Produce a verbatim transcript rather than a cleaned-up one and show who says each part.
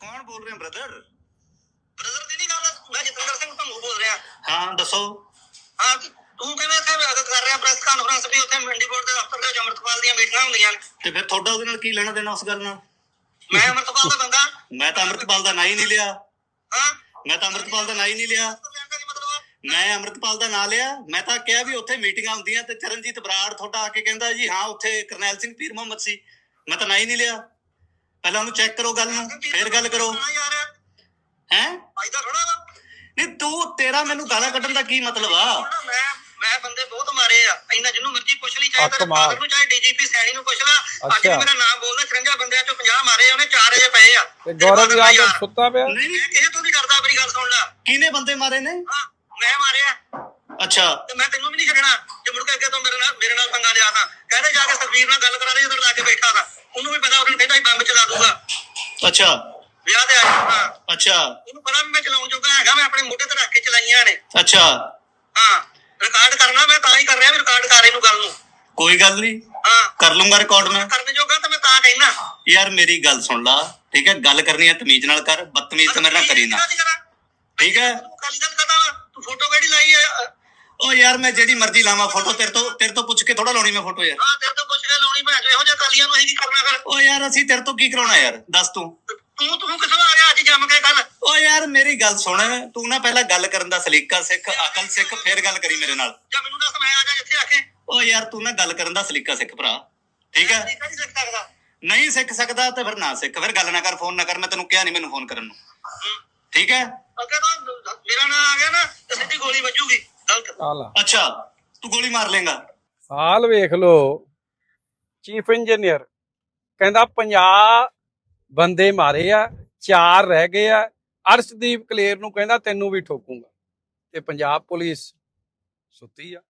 Speaker 1: कौन बोल रहे हैं ब्रदर?
Speaker 2: ब्रदर ਦੀ ਨਹੀਂ ਗੱਲ ਮੈਂ ਜਤਿੰਦਰ ਸਿੰਘ ਤੁਹਾਨੂੰ ਬੋਲ ਰਿਹਾ।
Speaker 1: हाँ दसो।
Speaker 2: ਹਾਂ ਤੂੰ ਕਿਵੇਂ ਇੱਥੇ ਕਰ ਰਿਹਾ ਪ੍ਰੈਸ ਕਾਨਫਰੰਸ ਵੀ ਉੱਥੇ ਮੰਡੀ ਬੋਰਡ ਦੇ ਦਫ਼ਤਰ ਦੇ ਅਮਰਤਪਾਲ ਦੀਆਂ ਮੀਟਿੰਗਾਂ ਹੁੰਦੀਆਂ ਨੇ
Speaker 1: ਤੇ ਫਿਰ ਤੁਹਾਡਾ ਉਹਦੇ ਨਾਲ ਕੀ ਲੈਣਾ ਦੇਣਾ ਉਸ ਗੱਲ ਨਾਲ?
Speaker 2: ਮੈਂ ਅਮਰਤਪਾਲ ਦਾ ਬੰਦਾ।
Speaker 1: ਮੈਂ ਤਾਂ ਅੰਮ੍ਰਿਤਪਾਲ ਦਾ ਨਾਂ ਹੀ ਨਹੀਂ ਲਿਆ।
Speaker 2: ਹਾਂ
Speaker 1: ਮੈਂ ਤਾਂ ਅੰਮ੍ਰਿਤਪਾਲ ਦਾ ਨਾਂ ਹੀ ਨਹੀਂ ਲਿਆ। ਮੈਂ ਅੰਮ੍ਰਿਤਪਾਲ ਦਾ ਨਾਂ ਲਿਆ। ਮੈਂ ਤਾਂ ਕਿਹਾ ਵੀ ਉੱਥੇ ਮੀਟਿੰਗਾਂ ਹੁੰਦੀਆਂ ਤੇ ਚਰਨਜੀਤ ਬਰਾੜ ਤੁਹਾਡਾ ਆ ਕੇ ਕਹਿੰਦਾ ਜੀ ਹਾਂ ਉੱਥੇ ਕਰਨੈਲ ਸਿੰਘ ਪੀਰ ਮੁਹੰਮਦ ਸੀ। ਮੈਂ ਤਾਂ ਨਾਂ ਹੀ ਨਹੀਂ ਲਿਆ। ਪਹਿਲਾਂ ਉਹਨੂੰ ਚੈੱਕ ਕਰੋ ਗੱਲ ਨੂੰ ਫੇਰ ਗੱਲ ਕਰੋ। ਹੈ ਨਹੀਂ ਤੂੰ ਤੇਰਾ ਮੈਨੂੰ ਗਾਲਾਂ ਕੱਢਣ ਦਾ ਕੀ ਮਤਲਬ ਆ?
Speaker 2: ਮੈਂ ਮੈਂ ਬੰਦੇ ਬਹੁਤ ਮਾਰੇ ਆ ਇੰਨਾ ਜਿਹਨੂੰ ਮਰਜ਼ੀ ਪੁੱਛ ਲਈ ਚਾਹੇ ਤੇਰੇ ਫਾਦਰ ਨੂੰ ਚਾਹੇ ਡੀਜੀਪੀ ਸੈਣੀ ਨੂੰ ਪੁੱਛ ਲੈ। ਅੱਜ ਵੀ ਮੇਰਾ ਨਾਮ ਬੋਲਦਾ ਚੁਰੰਜਾ ਬੰਦਿਆਂ ਚੋਂ ਪੰਜਾਹ ਮਾਰੇ ਉਹਨੇ ਚਾਰ ਅਜੇ ਪਏ ਆ
Speaker 3: ਤੇ ਗੌਰਵ ਯਾਦ ਸੁੱਤਾ ਪਿਆ।
Speaker 1: ਨਹੀਂ
Speaker 2: ਮੈਂ ਕਿਸੇ ਤੋਂ ਨਹੀਂ ਡਰਦਾ। ਮੇਰੀ ਗੱਲ ਸੁਣ ਲੈ
Speaker 1: ਕਿਹਨੇ ਬੰਦੇ ਮਾਰੇ ਨੇ?
Speaker 2: ਹਾਂ ਮੈਂ ਮਾਰਿਆ।
Speaker 1: ਅੱਛਾ
Speaker 2: ਤੇ ਮੈਂ ਤੈਨੂੰ ਵੀ ਨਹੀਂ ਛੱਡਣਾ ਜੇ ਮੁੜ ਕੇ ਅੱਗੇ ਤੋਂ ਮੇਰੇ ਨਾਲ ਮੇਰੇ ਨਾਲ ਪੰਗਾ ਲਿਆ ਤਾਂ ਕਹਿੰਦੇ ਜਾ ਕੇ ਸੁਖਬੀਰ ਨਾਲ ਗੱਲ ਕਰਾ ਦੇ ਜਦੋਂ ਲਾ ਕੇ ਬੈਠਾ ਤਾਂ ਉਹਨੂੰ ਵੀ ਪਤਾ ਉਹਨੂੰ ਕਹਿੰਦਾ ਬੰਬ ਚਲਾ ਦੂਗਾ।
Speaker 1: ਅੱਛਾ
Speaker 2: ਵਿਆਹ ਤੇ ਆ ਜਾਊਗਾ।
Speaker 1: ਅੱਛਾ
Speaker 2: ਉਹਨੂੰ ਪਤਾ ਵੀ ਮੈਂ ਚਲਾਉਣ ਜੋਗਾ ਹੈਗਾ। ਮੈਂ ਆਪਣੇ ਮੋਢੇ ਤੇ ਰੱਖ ਕੇ ਚਲਾਈਆਂ ਨੇ।
Speaker 1: ਅੱਛਾ
Speaker 2: ਹਾਂ ਰਿਕਾਰਡ ਕਰਨਾ ਮੈਂ ਤਾਂ ਹੀ ਕਰ ਰਿਹਾ ਵੀ ਰਿਕਾਰਡ ਕਰ ਇਹਨੂੰ ਗੱਲ ਨੂੰ।
Speaker 1: ਕੋਈ ਗੱਲ ਨਹੀਂ
Speaker 2: ਹਾਂ
Speaker 1: ਕਰ ਲੂੰਗਾ ਰਿਕਾਰਡ ਮੈਂ।
Speaker 2: ਕਰਨ ਜੋਗਾ ਤਾਂ ਮੈਂ ਤਾਂ ਕਹਿਣਾ।
Speaker 1: ਯਾਰ ਮੇਰੀ ਗੱਲ ਸੁਣ ਲਾ ਠੀਕ ਹੈ। ਗੱਲ ਕਰਨੀ ਹੈ ਤਮੀਜ਼ ਨਾਲ ਕਰ। ਬਦਤਮੀਜ਼ ਤਾਂ ਮੇਰੇ ਨਾਲ ਕਰੀ ਨਾ ਠੀਕ ਹੈ।
Speaker 2: ਤੂੰ ਕਾਲੀ ਗੱਲ ਕਰਦਾ ਵਾ ਤੂੰ ਫੋਟੋ ਕਿਹੜੀ ਲਾਈ ਹੈ?
Speaker 1: ਉਹ ਯਾਰ ਮੈਂ ਜਿਹੜੀ ਮਰਜ਼ੀ ਲਾਵਾਂ ਫੋਟੋ ਤੇਰੇ ਤੋਂ ਤੇਰੇ ਤੋਂ ਪੁੱਛ ਕੇ ਥੋੜਾ ਲਾਉਣੀ ਮੈਂ ਫੋਟੋ ਯਾਰ।
Speaker 2: ਹਾਂ ਤੇਰੇ ਤੋਂ ਪੁੱਛ ਕੇ ਲਾਉਣੀ ਭੈਣ ਇਹੋ ਜਿਹੇ ਕਾਲੀਆਂ ਨੂੰ ਅਸੀਂ ਕੀ ਕਰਨਾ ਫਿਰ?
Speaker 1: ਉਹ ਯਾਰ ਅਸੀਂ ਤੇਰੇ ਤੋਂ ਕੀ ਕਰਾਉਣਾ ਯਾਰ ਦੱਸ ਤੂੰ।
Speaker 2: ਤੂੰ ਤੂੰ ਕਿੱਥੋਂ ਆ ਗਿਆ ਅੱਜ ਜੰਮ ਕੇ ਗੱਲ?
Speaker 1: ਉਹ ਯਾਰ ਮੇਰੀ ਗੱਲ ਸੁਣ ਤੂੰ ਨਾ ਪਹਿਲਾਂ ਗੱਲ ਕਰਨ ਦਾ ਸਲੀਕਾ ਸਿੱਖ ਅਕਲ ਸਿੱਖ ਫੇਰ ਗੱਲ ਕਰੀ ਮੇਰੇ ਨਾਲ।
Speaker 2: ਜਾਂ ਮੈਨੂੰ ਦੱਸ ਮੈਂ ਆ ਜਾ ਜਿੱਥੇ ਆਖੇ।
Speaker 1: ਉਹ ਯਾਰ ਤੂੰ ਨਾ ਗੱਲ ਕਰਨ ਦਾ ਸਲੀਕਾ ਸਿੱਖ ਭਰਾ ਠੀਕ ਹੈ।
Speaker 2: ਨਹੀਂ ਸਿੱਖ ਸਕਦਾ।
Speaker 1: ਨਹੀਂ ਸਿੱਖ ਸਕਦਾ ਤੇ ਫਿਰ ਨਾ ਸਿੱਖ ਫਿਰ ਗੱਲ ਨਾ ਕਰ ਫੋਨ ਨਾ ਕਰ। ਮੈਂ ਤੈਨੂੰ ਕਿਹਾ ਨਹੀਂ ਮੈਨੂੰ ਫੋਨ ਕਰਨ ਨੂੰ ਠੀਕ ਹੈ।
Speaker 2: ਅੱਗੇ ਤਾਂ ਮੇਰਾ ਨਾਂ ਆ ਗਿਆ ਨਾ ਤੇ ਸਿੱਧੀ ਗੋਲੀ ਵੱਜੂਗੀ ਗਲਤ।
Speaker 1: ਅੱਛਾ ਤੂੰ ਗੋਲੀ ਮਾਰ ਲੇਗਾ।
Speaker 3: ਹਾਲ ਵੇਖ ਲੋ ਚੀਫ ਇੰਜੀਨੀਅਰ ਕਹਿੰਦਾ ਪੰਜਾਹ ਬੰਦੇ ਮਾਰੇ ਆ ਚਾਰ ਰਹਿ ਗਏ ਆ। ਅਰਸ਼ਦੀਪ ਕਲੇਰ ਨੂੰ ਕਹਿੰਦਾ ਤੈਨੂੰ ਵੀ ਠੋਕੂਗਾ ਤੇ ਪੰਜਾਬ ਪੁਲਿਸ ਸੁੱਤੀ ਆ।